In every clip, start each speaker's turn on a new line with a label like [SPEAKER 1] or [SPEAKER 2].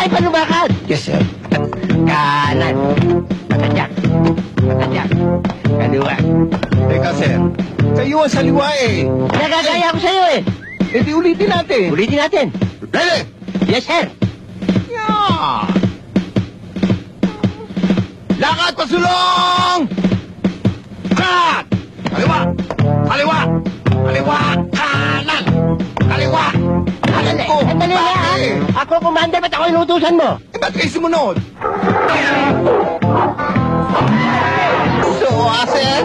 [SPEAKER 1] Ay, panubakan!
[SPEAKER 2] Yes, sir.
[SPEAKER 1] Kanan. Matadyak. Matadyak. Kaliwa.
[SPEAKER 2] Teka, sir. Kayo ang saliwa eh.
[SPEAKER 1] Nagagaya ko sa'yo eh.
[SPEAKER 2] E di ulitin natin.
[SPEAKER 1] Ulitin natin.
[SPEAKER 2] Ready?
[SPEAKER 1] Yes, sir.
[SPEAKER 2] Yeah! Lakad pasulong! Cut! Kaliwa! Kaliwa! Kaliwa! Kanan! Kaliwa! Kanan ko!
[SPEAKER 1] Sandali na, ha? Ako, commander, ba't ako inutusan mo?
[SPEAKER 2] Eh, ba't kayo sumunod? So, sir?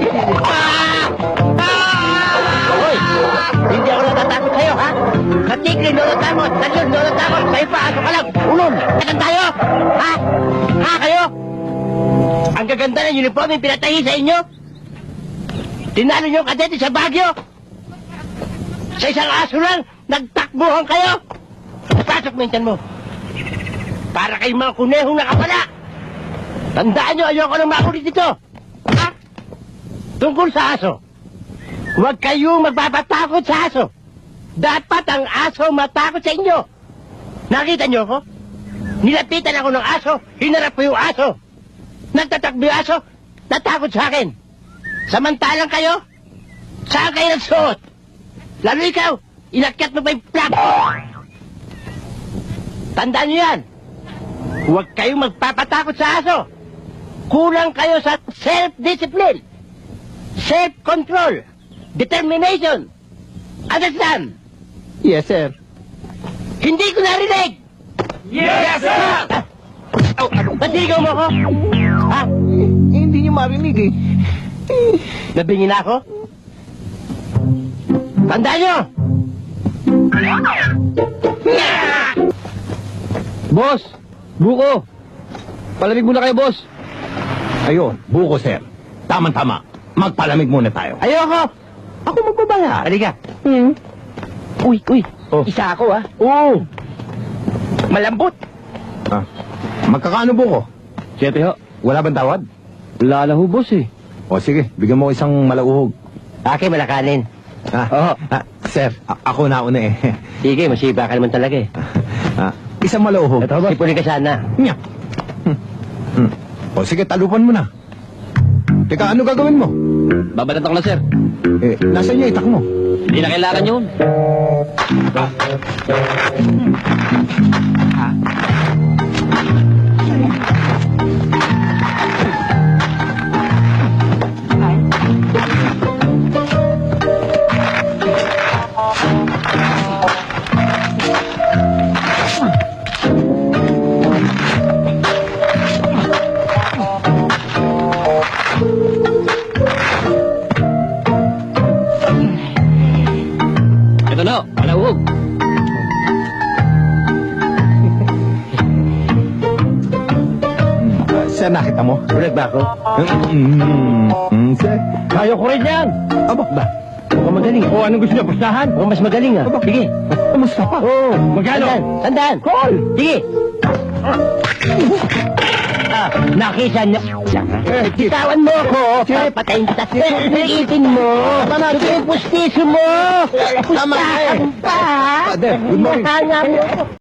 [SPEAKER 1] Hoy, hindi ako natatakot sa'yo, ha? Sa tigre, nolotamot. Sa nolotamot. Sa'yo pa, aso ka lang. Ulol. Katan tayo? Ha? Ha, kayo? Ang gaganda ng uniform yung pinatahi sa inyo? Tinalo niyo ang kadete sa Baguio? Sa isang aso lang, nagtakbuhan kayo? Pasok mo yung tiyan mo. Para kayong mga kunehong nakapala. Tandaan niyo, ayoko nang makulit dito. Ha? Tungkol sa aso. Huwag kayong magpapatakot sa aso. Dapat ang aso matakot sa inyo. Nakita niyo ko? Nilapitan ako ng aso, hinarap ko yung aso. Nagtatakbo yung aso, natakot sa akin. Samantalang kayo, saan kayo nagsuot? Lalo ikaw, inakyat mo pa yung plato. Tandaan niyo yan. Huwag kayong magpapatakot sa aso. Kulang kayo sa self-discipline, self-control, determination. Understand?
[SPEAKER 2] Yes, sir.
[SPEAKER 1] Hindi ko narinig!
[SPEAKER 2] Yes, sir!
[SPEAKER 1] Batigaw mo ko? Ha?
[SPEAKER 2] Hindi niyo marinig eh.
[SPEAKER 1] Nabingin ako? Tandaan nyo!
[SPEAKER 3] Boss! Buko! Palamig muna kayo, boss!
[SPEAKER 2] Ayun, buko, sir. Tama-tama. Magpalamig muna tayo.
[SPEAKER 1] Ayoko!
[SPEAKER 2] Ako magbabayad.
[SPEAKER 1] Halika. Uy,
[SPEAKER 2] Oh.
[SPEAKER 1] isa ako ha.
[SPEAKER 2] Oo.
[SPEAKER 1] Malambot.
[SPEAKER 2] Ah. Magkakaano buko?
[SPEAKER 3] 7 ho.
[SPEAKER 2] Wala bang tawad?
[SPEAKER 3] Wala na ho, boss eh.
[SPEAKER 2] O sige, bigyan mo ko isang malauhog.
[SPEAKER 1] Akin malakanin.
[SPEAKER 2] Ah, sir, ako nauna eh.
[SPEAKER 1] Sige, masiba ka naman talaga eh.
[SPEAKER 2] Isang malauhog.
[SPEAKER 1] Ito, sipunin ka sana.
[SPEAKER 2] Nya. O sige, talupan mo na. Teka, ano gagawin mo?
[SPEAKER 3] Babanat ako na, sir.
[SPEAKER 2] Eh, nasa niya itak mo?
[SPEAKER 3] Hindi na kailangan yun. Ito na, palawog.
[SPEAKER 2] Sir, nakita mo?
[SPEAKER 1] Bulag ba ako?
[SPEAKER 2] Sir.
[SPEAKER 1] Kaya ko rin yan.
[SPEAKER 2] Aba, ba?
[SPEAKER 1] Mukhang magaling.
[SPEAKER 2] O, anong gusto niya? Pustahan?
[SPEAKER 1] Mukhang mas magaling ah. Sige.
[SPEAKER 2] Kamusta pa?
[SPEAKER 1] Oo.
[SPEAKER 2] Magkano?
[SPEAKER 1] Tandaan.
[SPEAKER 2] Call!
[SPEAKER 1] Sige. Nakisa niya. Bitawan mo ako. Patayin kita. Iitin mo. Ito yung pustiso mo.
[SPEAKER 2] Tama ka eh.
[SPEAKER 1] Pustahan pa.
[SPEAKER 2] Father, good morning.
[SPEAKER 1] Kanya mo.